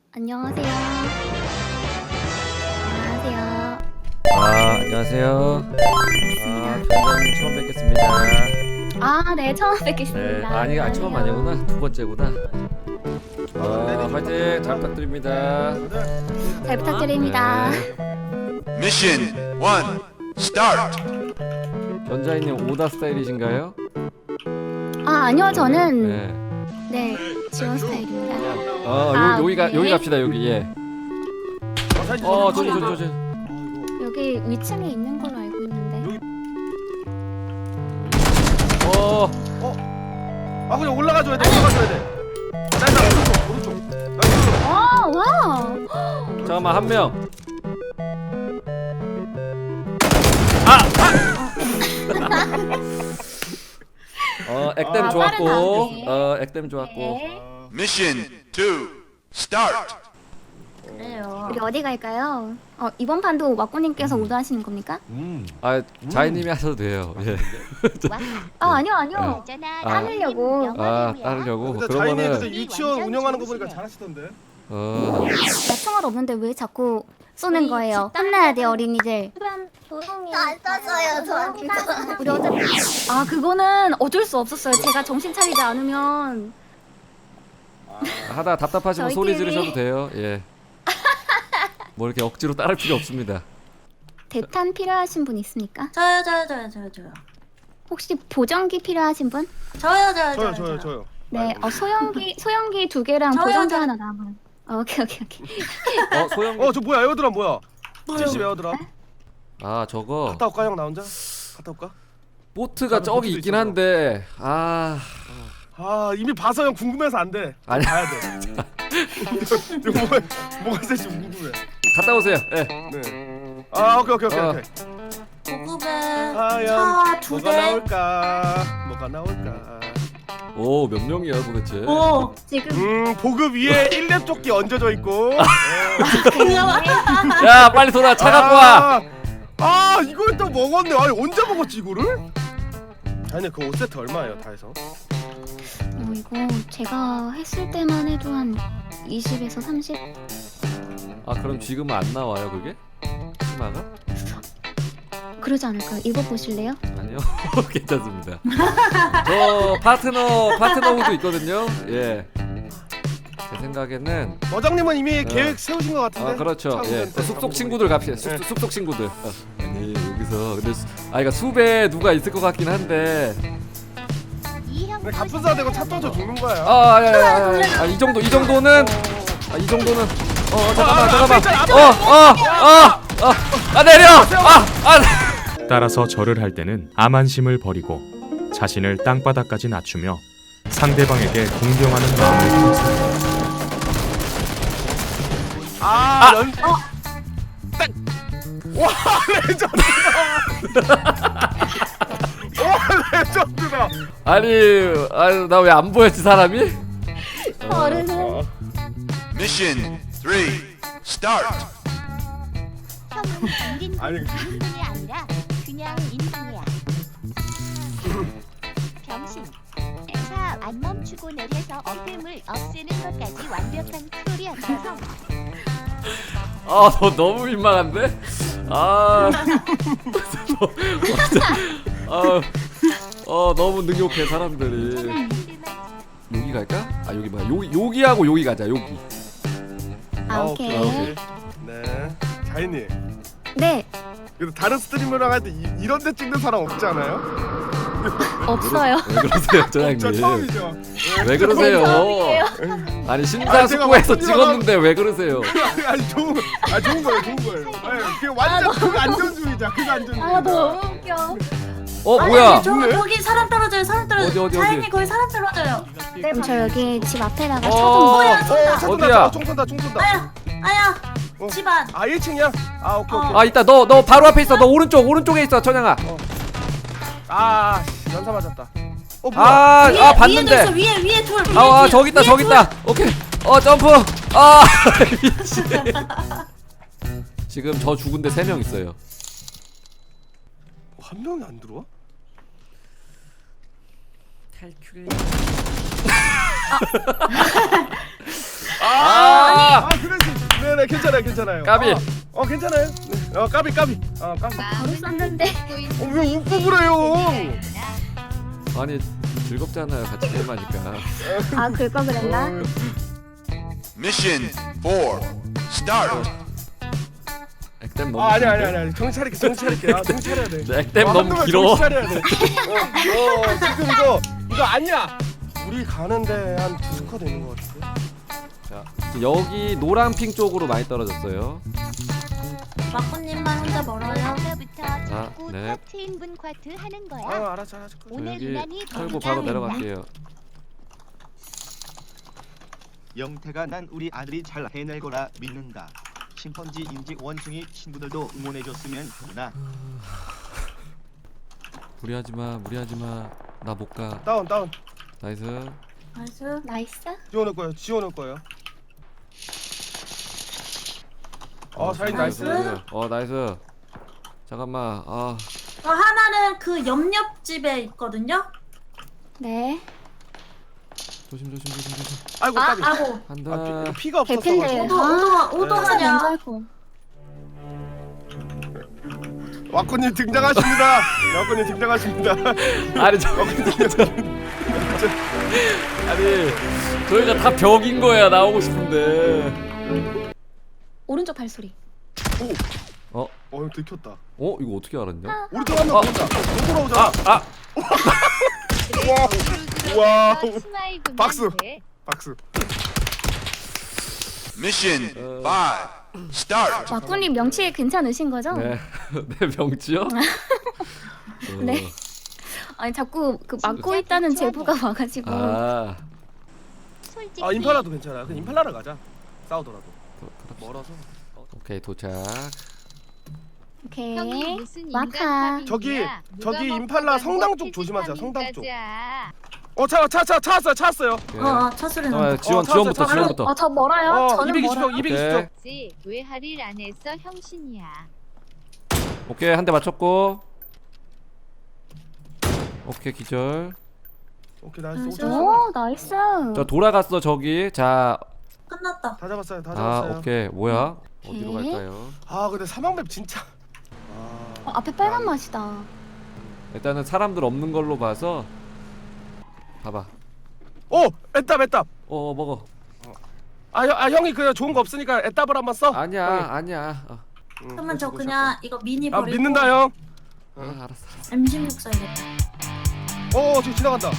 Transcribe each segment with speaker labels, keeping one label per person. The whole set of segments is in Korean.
Speaker 1: 안녕하세요. 안녕하세요.
Speaker 2: 안녕하세요. 변장님 처음 뵙겠습니다.
Speaker 1: 네, 처음
Speaker 2: 네,
Speaker 1: 뵙겠습니다.
Speaker 2: 처음 아니구나. 두 번째구나. 화이팅 잘 부탁드립니다.
Speaker 1: 잘 부탁드립니다.
Speaker 3: Mission 1, start!
Speaker 2: 변자인님 오다 스타일이신가요?
Speaker 1: 아니요, 저는
Speaker 2: 네.
Speaker 1: 지원 스타일입니다.
Speaker 2: 여기
Speaker 1: 네.
Speaker 2: 갑시다. 여기. 예. 저기.
Speaker 1: 여기 위층에 있는 걸로 알고 있는데.
Speaker 4: 그냥 올라가줘야 돼. 올라가줘야 돼. 나 오른쪽.
Speaker 1: 와.
Speaker 2: 잠깐만 한 명. 액땜 좋았고.
Speaker 1: 빠르다.
Speaker 2: 액땜 좋았고.
Speaker 1: 네.
Speaker 3: Mission 2, start!
Speaker 1: 그래요. 우리 어디 갈까요? 이번 판도 왁구님께서 오더하시는 겁니까?
Speaker 2: 자이님이 하셔도 돼요. 예.
Speaker 1: 아니요. 따르려고.
Speaker 2: 따르려고.
Speaker 4: 근데 자인이 그때
Speaker 2: 그러면은
Speaker 4: 유치원 운영하는 거 보니까 잘하시던데.
Speaker 1: 나 총알 없는데 왜 자꾸 쏘는 거예요? 혼나야 돼, 어린이들.
Speaker 5: 안 떴어요, 저 그거.
Speaker 1: 우리 어차피 그거는 어쩔 수 없었어요. 제가 정신 차리지 않으면
Speaker 2: 하다 답답하시면 소리
Speaker 1: 저희끼리-
Speaker 2: 지르셔도 돼요. 예. 뭐 이렇게 억지로 따를 필요 없습니다.
Speaker 1: 대탄 필요하신 분 있습니까?
Speaker 5: 저요.
Speaker 1: 혹시 보정기 필요하신 분?
Speaker 4: 저요.
Speaker 1: 네, 소형기 2개랑
Speaker 5: 저요,
Speaker 1: 보정기
Speaker 5: 저요.
Speaker 1: 하나 남은. 오케이.
Speaker 2: 소영.
Speaker 4: 저 뭐야? 에어드랍 뭐야? 70 에어드랍.
Speaker 2: 저거
Speaker 4: 갔다 올까 형 나 혼자? 갔다 올까?
Speaker 2: 보트가
Speaker 4: 나도
Speaker 2: 저기
Speaker 4: 보트도
Speaker 2: 있긴
Speaker 4: 있어서.
Speaker 2: 한데
Speaker 4: 이미 봐서 형 궁금해서 안 돼.
Speaker 2: 아니.
Speaker 4: 가야 돼. 뭐가 있을지 궁금해.
Speaker 2: 갔다 오세요. 예.
Speaker 4: 네. 오케이.
Speaker 5: 고급에
Speaker 4: 과연
Speaker 5: 차 2대.
Speaker 4: 뭐가 나올까?
Speaker 2: 오, 몇 명이야 도대체?
Speaker 5: 오.
Speaker 1: 지금
Speaker 4: 보급 위에 1렙 조끼 얹어져 있고.
Speaker 2: 야, 빨리 돌아. 차 갖고 와.
Speaker 4: 이걸 또 먹었네. 언제 먹었지 이거를? 아니 그 5세트 얼마예요 다 해서?
Speaker 1: 이거 제가 했을 때만 해도 한 20에서 30?
Speaker 2: 그럼 지금은 안 나와요, 그게? 치마가?
Speaker 1: 그러지 않을까요? 입어보실래요?
Speaker 2: 아니요. 괜찮습니다. 저 파트너 후도 있거든요. 예. 제 생각에는
Speaker 4: 어장님은 이미 계획 세우신 것 같은데?
Speaker 2: 그렇죠.
Speaker 4: 차
Speaker 2: 예.
Speaker 4: 운전 때
Speaker 2: 숙속 친구들 갑시다.
Speaker 4: 네.
Speaker 2: 숙속 친구들. 아니, 여기서 근데 그러니까 숲에 누가 있을 것 같긴 한데.
Speaker 4: 근데 갑분사 되고 차 터져 죽는 거야.
Speaker 2: 야. 이 정도는 잠깐만. 내려.
Speaker 6: 따라서 절을 할 때는 암한심을 버리고 자신을 땅바닥까지 낮추며 상대방에게 공경하는 마음을 품습니다.
Speaker 4: 와 레전드다. 와 레전드다.
Speaker 2: 아니 나 왜 안 보였지 사람이?
Speaker 1: 어른은
Speaker 3: Mission 3, start!
Speaker 5: 형은 인간
Speaker 4: 아니
Speaker 5: 인간이 아니라 그냥 인간이야. 병신. 차 안 멈추고 내려서 어둠을 없애는 것까지 완벽한 스토리였어서
Speaker 2: 너 너무 민망한데? 너무 능욕해 사람들이. 여기 갈까? 여기 뭐야? 여기하고 여기 가자. 여기.
Speaker 1: 오케이.
Speaker 4: 네 자인님.
Speaker 1: 네,
Speaker 4: 그래도 다른 스트리머랑 할 때 이런 데 찍는 사람 없지 않아요?
Speaker 1: 없어요.
Speaker 2: 왜 그러세요,
Speaker 4: 저
Speaker 2: 저장님?
Speaker 4: 처음이죠.
Speaker 2: 왜 그러세요?
Speaker 1: 처음이에요.
Speaker 2: 아니 심사숙고해서
Speaker 4: 제가
Speaker 2: 찍었는데 왜 그러세요?
Speaker 4: 아니 좋은 거예요. 그게 완전 극안전주의자.
Speaker 1: 너무 웃겨.
Speaker 2: 뭐야?
Speaker 5: 거기 사람 떨어져요.
Speaker 2: 어디?
Speaker 5: 자인이 거기 사람 떨어져요.
Speaker 1: 그럼 저 여기 집 앞에다가
Speaker 2: 어디야?
Speaker 4: 총 쏜다.
Speaker 5: 아야.
Speaker 4: 어.
Speaker 5: 집안.
Speaker 4: 1층이야? 오케이.
Speaker 2: 있다. 너 바로 앞에 있어. 너 오른쪽에 있어, 천양아.
Speaker 4: 연사 맞았다. 뭐야?
Speaker 2: 봤는데.
Speaker 5: 위에 돌.
Speaker 2: 저기 있다. 오케이. 점프. 미친. 지금 저 죽은데 3명 있어요.
Speaker 4: 한 명이 안 들어와?
Speaker 2: 탈출레.
Speaker 4: 괜찮아요.
Speaker 2: 까비.
Speaker 4: 괜찮아요. 네. 까비. 까비.
Speaker 1: 바로 쐈는데.
Speaker 4: 왜 웃고 그래요?
Speaker 2: 아니 즐겁잖아요 같이 게임하니까.
Speaker 1: 아 그럴 그랬나?
Speaker 3: Mission 4. Start.
Speaker 2: 액땜 너무.
Speaker 4: 아니. 정신 차릴게. 정신 차려야 돼.
Speaker 2: 네, 액땜 너무
Speaker 4: 한동안
Speaker 2: 길어.
Speaker 4: 정신 차려야 돼. 지금 이거 아니야. 우리 가는데 한 2스쿼드 있는 것 같은데.
Speaker 2: 자 여기 노란핑 쪽으로 많이 떨어졌어요.
Speaker 7: 마코님만 혼자 멀어요.
Speaker 5: 오늘부터 자꾸
Speaker 2: 네.
Speaker 5: 터트인 분 쿼트 하는 거야.
Speaker 4: 알았어.
Speaker 5: 오늘
Speaker 2: 여기
Speaker 5: 유난히
Speaker 2: 털고 바로
Speaker 5: 건강했나?
Speaker 2: 내려갈게요.
Speaker 8: 영태가 난 우리 아들이 잘 해낼 거라 믿는다. 심펀지 인지 원숭이 친구들도 응원해줬으면 하구나.
Speaker 2: 무리하지마 나 못가.
Speaker 4: 다운.
Speaker 2: 나이스.
Speaker 7: 나이스.
Speaker 1: 나이스.
Speaker 4: 지원할 거예요. 사인 나이스.
Speaker 2: 나이스. 잠깐만.
Speaker 7: 하나는 그 옆집에 있거든요.
Speaker 1: 네.
Speaker 2: 조심.
Speaker 4: 아이고 까비.
Speaker 7: 아이고.
Speaker 2: 한다.
Speaker 4: 피가
Speaker 1: 개핀데.
Speaker 4: 없었어.
Speaker 7: 오도하냐.
Speaker 1: 먼저
Speaker 4: 와꾸님 등장하십니다.
Speaker 2: 아니 아니 저희가 다 벽인 거야 나오고 싶은데.
Speaker 1: 오른쪽 발소리.
Speaker 4: 이거 들켰다.
Speaker 2: 이거 어떻게 알았냐?
Speaker 4: 우리 또 한명 온다. 또 돌아오잖아. 와. 박수.
Speaker 3: Mission 5. Start.
Speaker 1: 와꾸님 명치 괜찮으신 거죠?
Speaker 2: 네. 내 명치요?
Speaker 1: 네. 아니 자꾸 그 막고 있다는 제보가 와가지고.
Speaker 5: 솔직히
Speaker 4: 임팔라도 괜찮아. 그냥 임팔라를 가자. 싸우더라도. 멀어서.
Speaker 2: 오케이 도착.
Speaker 1: 오케이.
Speaker 5: 형이 무슨
Speaker 1: 마카.
Speaker 4: 저기
Speaker 5: 누가
Speaker 4: 임팔라
Speaker 5: 먹고
Speaker 4: 성당
Speaker 5: 먹고
Speaker 4: 쪽 조심하세요. 성당 쪽.
Speaker 5: 가자.
Speaker 4: 찾았어요.
Speaker 7: 차 소리 난다.
Speaker 2: 지원부터.
Speaker 1: 저 멀어요. 저는
Speaker 4: 220쪽,
Speaker 1: 멀어요.
Speaker 4: 220쪽.
Speaker 5: 왜 할일 안 했어 형신이야.
Speaker 2: 오케이 한 대 맞췄고. 오케이 기절.
Speaker 4: 오케이 나이스.
Speaker 1: 오 나이스.
Speaker 2: 저 돌아갔어 저기. 자.
Speaker 7: 끝났다.
Speaker 4: 다 잡았어요.
Speaker 2: 오케이 뭐야? 어디로
Speaker 1: 오케이.
Speaker 2: 갈까요?
Speaker 4: 근데 사망맵 진짜.
Speaker 1: 앞에 빨간 맛이다.
Speaker 2: 일단은 사람들 없는 걸로 봐서. 봐봐.
Speaker 4: 애답.
Speaker 2: 먹어.
Speaker 4: 형이 그냥 좋은 거 없으니까 애답을 한번 써.
Speaker 2: 아니야.
Speaker 7: 그러면 저 그냥 이거 미니 버리고
Speaker 4: 믿는다 형.
Speaker 2: 알았어.
Speaker 7: M16 써야겠다.
Speaker 4: 지금 지나간다.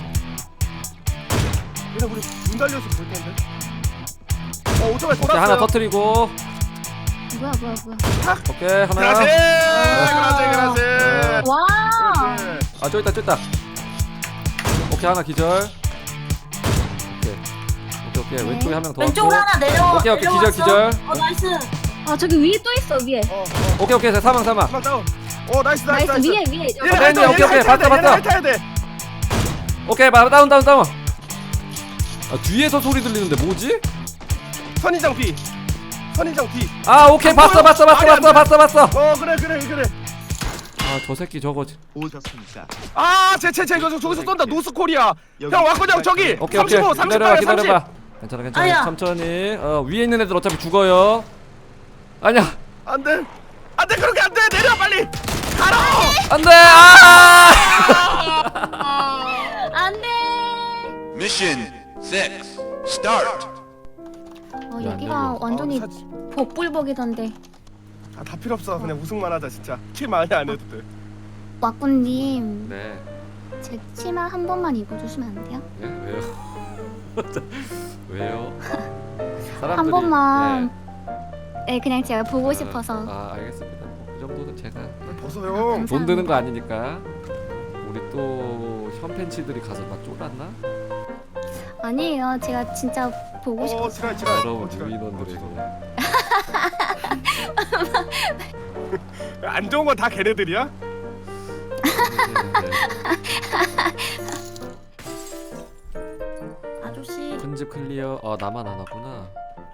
Speaker 4: 그냥 우리 문 달려서 볼 텐데. 오토바이
Speaker 2: 오케이
Speaker 4: 돌았어요.
Speaker 2: 하나 터뜨리고.
Speaker 1: 뭐야.
Speaker 2: 오케이 하나.
Speaker 4: 그라지.
Speaker 1: 와.
Speaker 2: 저기 있다. 오케이 하나 기절. 오케이
Speaker 1: 네.
Speaker 2: 왼쪽에 한 명 더.
Speaker 7: 왼쪽으로 하나
Speaker 2: 오케이
Speaker 7: 내려왔어.
Speaker 2: 기절.
Speaker 7: 나이스.
Speaker 1: 저기 위에 또 있어 위에.
Speaker 2: 오케이 사망.
Speaker 4: 다운. 나이스.
Speaker 1: 위에.
Speaker 2: 오케이, 봤다.
Speaker 4: 타야 돼.
Speaker 2: 오케이 다운. 뒤에서 소리 들리는데 뭐지?
Speaker 4: 선인장 B.
Speaker 2: 오케이
Speaker 4: 안
Speaker 2: 봤어.
Speaker 4: 그래.
Speaker 2: 저 새끼 저거.
Speaker 8: 오셨습니까?
Speaker 4: 쟤 저기서 쏜다. 노스코리아. 형 와꾸니 형 저기.
Speaker 2: 오케이
Speaker 4: 35, 38, 30.
Speaker 2: 기다려봐. 괜찮아.
Speaker 7: 아야.
Speaker 2: 천천히. 위에 있는 애들 어차피 죽어요. 아니야.
Speaker 4: 안돼 그렇게 안돼. 내려 빨리. 가라.
Speaker 2: 안돼.
Speaker 1: 안돼.
Speaker 3: Mission 6. Start.
Speaker 1: 여기가 완전히 복불복이던데.
Speaker 4: 다 필요 없어. 그냥 우승만 하자 진짜. 킬 많이 안 해도 돼.
Speaker 1: 와꾸님
Speaker 2: 네.
Speaker 1: 제 치마 한 번만 입어주시면 안 돼요?
Speaker 2: 왜요? 왜요?
Speaker 1: 한 번만. 네 그냥 제가 보고 싶어서.
Speaker 2: 알겠습니다. 그 정도는 제가
Speaker 4: 벗어요.
Speaker 2: 돈 드는 거 아니니까. 우리 또 현팬치들이 가서 막 쫄았나?
Speaker 1: 아니에요. 제가 진짜 보고 싶어서.
Speaker 4: 지랄.
Speaker 2: 여러분 유인원들에게.
Speaker 4: 안 좋은 건 다 걔네들이야?
Speaker 7: 아저씨.
Speaker 2: 큰집 클리어. 나만 안 하구나.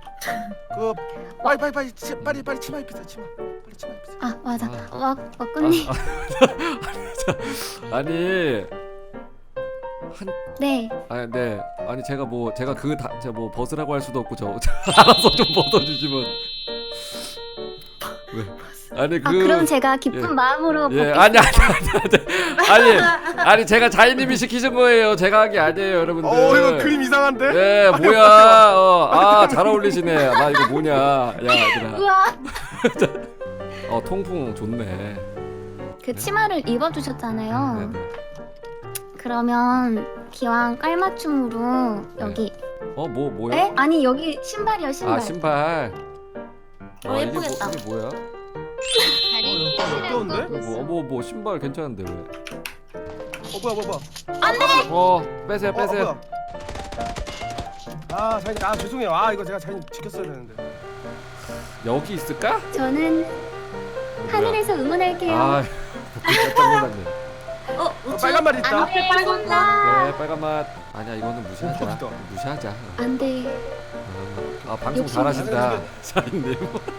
Speaker 4: 빨리 치마 입히자. 빨리 치마 입히자.
Speaker 1: 맞아. 와꾸님.
Speaker 2: 아니
Speaker 1: 네.
Speaker 2: 아, 네. 아니 제가 제가 뭐 벗으라고 할 수도 없고 저 알아서 좀 벗어주시면. 네. 아니
Speaker 1: 아 그럼 제가 기쁜
Speaker 2: 예.
Speaker 1: 마음으로
Speaker 2: 예,
Speaker 1: 벗겠습니다.
Speaker 2: 아니 제가 자이님이 시키신 거예요. 제가 한 게 아니에요, 여러분들.
Speaker 4: 이거 그림 이상한데?
Speaker 2: 예, 뭐야? 잘 어울리시네. 나 이거 뭐냐? 야, 얘들아.
Speaker 1: 우와.
Speaker 2: 통풍 좋네.
Speaker 1: 그 치마를 입어주셨잖아요.
Speaker 2: 네네.
Speaker 1: 그러면 기왕 깔맞춤으로 여기.
Speaker 2: 뭐야?
Speaker 1: 에? 아니 여기 신발이요 신발.
Speaker 2: 아, 신발.
Speaker 7: 예쁘겠다.
Speaker 2: 이게 뭐야?
Speaker 4: 어려운데?
Speaker 2: 뭐 신발 괜찮은데 왜?
Speaker 4: 뭐야
Speaker 2: 빼세요.
Speaker 4: 뭐야. 자이님 죄송해요. 이거 제가 자이님 지켰어야 되는데.
Speaker 2: 여기 있을까?
Speaker 1: 저는 하늘에서 응원할게요.
Speaker 2: 깜짝 놀랐네.
Speaker 4: 빨간 말이 있다.
Speaker 7: 앞에 빨간 거.
Speaker 2: 네, 빨간 맛. 아니야, 이거는 무시하자.
Speaker 4: 멋있다.
Speaker 2: 무시하자.
Speaker 1: 안 돼.
Speaker 2: 방송
Speaker 1: 욕심
Speaker 2: 잘하신다, 자인님.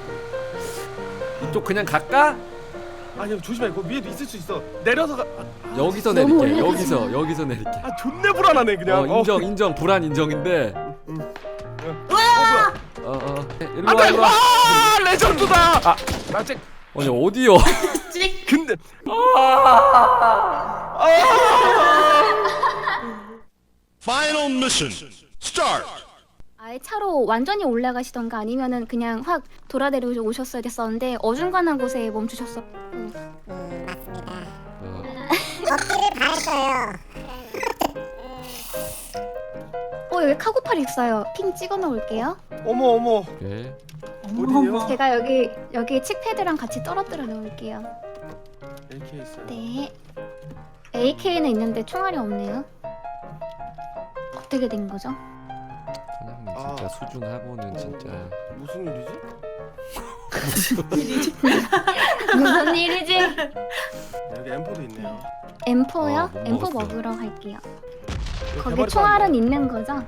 Speaker 2: 이쪽 그냥 갈까?
Speaker 4: 아니 조심해. 그 위에도 있을 수 있어. 내려서 가.
Speaker 2: 여기서
Speaker 1: 너무
Speaker 2: 내릴게.
Speaker 1: 올라가지
Speaker 2: 여기서 내릴게.
Speaker 4: 존내 불안하네 그냥.
Speaker 2: 인정. 불안 인정인데.
Speaker 4: 뭐야?
Speaker 2: 일로 와.
Speaker 4: 레전드다. 나 쟤.
Speaker 2: 아니 어디요?
Speaker 4: 근데.
Speaker 3: Final mission. Start.
Speaker 1: 아예 차로 완전히 올라가시던가 아니면은 그냥 확 돌아내려 오셨어야 됐었는데 어중간한 곳에 멈추셨어. 여기 카고팔 있어요. 핑 찍어 놓을게요.
Speaker 4: 어머.
Speaker 2: 오케이.
Speaker 4: 어디요?
Speaker 1: 제가 여기 칙패드랑 같이 떨어뜨려 놓을게요.
Speaker 4: AK 있어요.
Speaker 1: 네. AK는 있는데 총알이 없네요. 어떻게 된 거죠?
Speaker 2: 사장님 진짜 수준하고는 진짜.
Speaker 4: 무슨 일이지?
Speaker 1: 무슨 일이지?
Speaker 4: 여기 M4도 있네요.
Speaker 1: M4요?
Speaker 2: 못
Speaker 1: M4
Speaker 2: 먹었어.
Speaker 1: 먹으러 갈게요.
Speaker 4: 여기
Speaker 1: 거기
Speaker 4: 대바리
Speaker 1: 총알은 있는 거죠?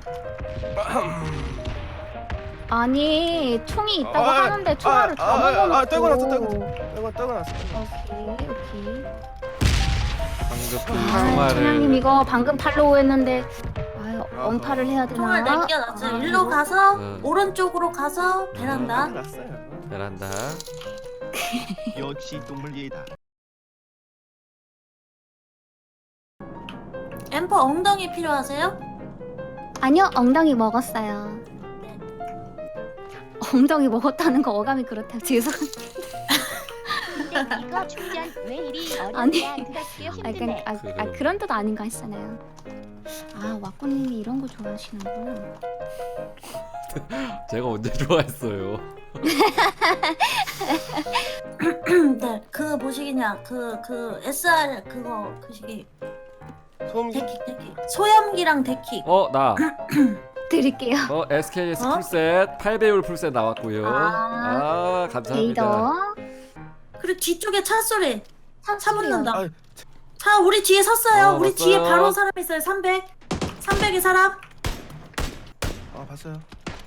Speaker 1: 아니 총이 있다고 하는데 총알을 다 먹어놓고.
Speaker 4: 떨궈놨어.
Speaker 1: 오케이.
Speaker 2: 방금
Speaker 1: 총알님
Speaker 2: 총알을.
Speaker 1: 이거 방금 팔로우 했는데 언팔을 해야 되나?
Speaker 7: 총알 남겨놨어요. 일로 가서
Speaker 2: 응.
Speaker 7: 오른쪽으로 가서 베란다.
Speaker 4: 났어요.
Speaker 2: 베란다.
Speaker 8: 역시 동물 예다.
Speaker 7: 엠퍼 엉덩이 필요하세요?
Speaker 1: 아니요 엉덩이 먹었어요. 엉덩이 먹었다는 거 어감이 그렇다고 죄송합니다.
Speaker 5: 근데 이거 충전 왜 이리
Speaker 1: 아니.
Speaker 5: 어렵냐? 그렇게 힘드네.
Speaker 1: 그런 뜻 아닌가 했잖아요. 왁구님이 이런 거 좋아하시는구나.
Speaker 2: 제가 언제 좋아했어요?
Speaker 7: 네, 그 뭐시기냐? 그 SR 그거 그 시기
Speaker 4: 소음기.
Speaker 7: 데킥 소염기랑 데킥.
Speaker 2: 나.
Speaker 1: 드릴게요.
Speaker 2: SKS
Speaker 7: 어?
Speaker 2: 풀셋 8배율 풀셋 나왔고요. 감사합니다.
Speaker 1: 데이더.
Speaker 7: 그리고 뒤쪽에 차 소리. 차 붙는다.
Speaker 4: 아,
Speaker 7: 차 우리 뒤에 섰어요. 우리
Speaker 2: 봤어요.
Speaker 7: 뒤에 바로 사람 있어요. 300의 사람.
Speaker 4: 봤어요.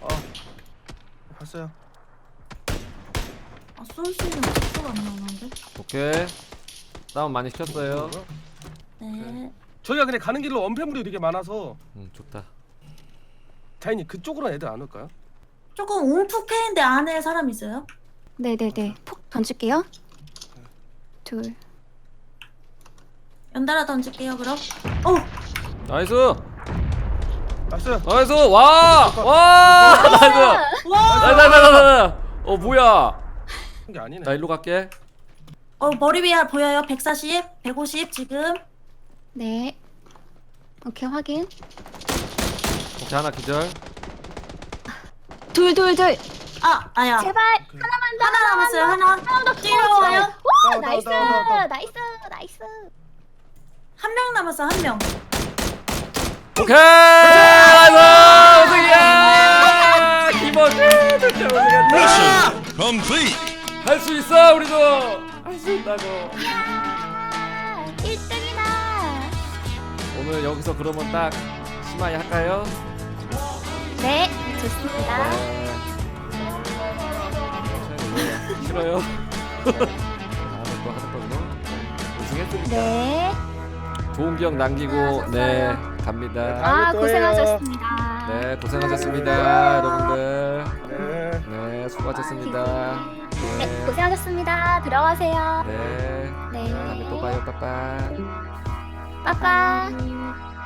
Speaker 4: 봤어요.
Speaker 7: 쏠 수 있는 속도가 안 나오는데.
Speaker 2: 오케이. 다운 많이 시켰어요.
Speaker 7: 네.
Speaker 4: 저희가 그냥 가는 길로 엄폐물이 되게 많아서
Speaker 2: 좋다.
Speaker 4: 자이님 그쪽으로는 애들 안 올까요?
Speaker 7: 조금 움푹해인데 안에 사람 있어요?
Speaker 1: 네네네. 폭 던질게요. 둘.
Speaker 7: 연달아 던질게요. 그럼.
Speaker 2: 나이스.
Speaker 4: 봤어요.
Speaker 2: 나이스. 와. 나이스. 나이스. 뭐야?
Speaker 4: 게 아니네.
Speaker 2: 나 일로 갈게.
Speaker 7: 머리 위에 보여요. 140, 150 지금.
Speaker 1: 네. 오케이 확인.
Speaker 2: 오케이, 하나 기절.
Speaker 1: 둘.
Speaker 7: 아야.
Speaker 1: 제발
Speaker 7: 하나 남았어요. 하나. 뛰어와요.
Speaker 1: 와
Speaker 4: 다운,
Speaker 1: 나이스.
Speaker 4: 다운.
Speaker 1: 나이스.
Speaker 7: 한 명 남았어. 한 명.
Speaker 2: 오케이. 나이스. 우승이야. 김원준 진짜 우승했다.
Speaker 3: Mission complete.
Speaker 2: 할 수 있어 우리도. 할 수 있다고.
Speaker 1: 1등이다.
Speaker 2: 오늘 여기서 그러면 딱 심하게 할까요?
Speaker 1: 네 좋습니다.
Speaker 2: 싫어요. 다음에 또 하는 걸로. 우승했으니까.
Speaker 1: 네.
Speaker 2: 좋은 기억 남기고 네 갑니다.
Speaker 1: 아
Speaker 4: 또
Speaker 1: 고생하셨습니다.
Speaker 2: 네, 고생하셨습니다, 여러분들.
Speaker 4: 네.
Speaker 2: 네, 수고하셨습니다.
Speaker 1: 네 고생하셨습니다. 들어가세요.
Speaker 2: 네,
Speaker 1: 네.
Speaker 2: 다음에 또 봐요. 빠빠.
Speaker 1: 빠빠.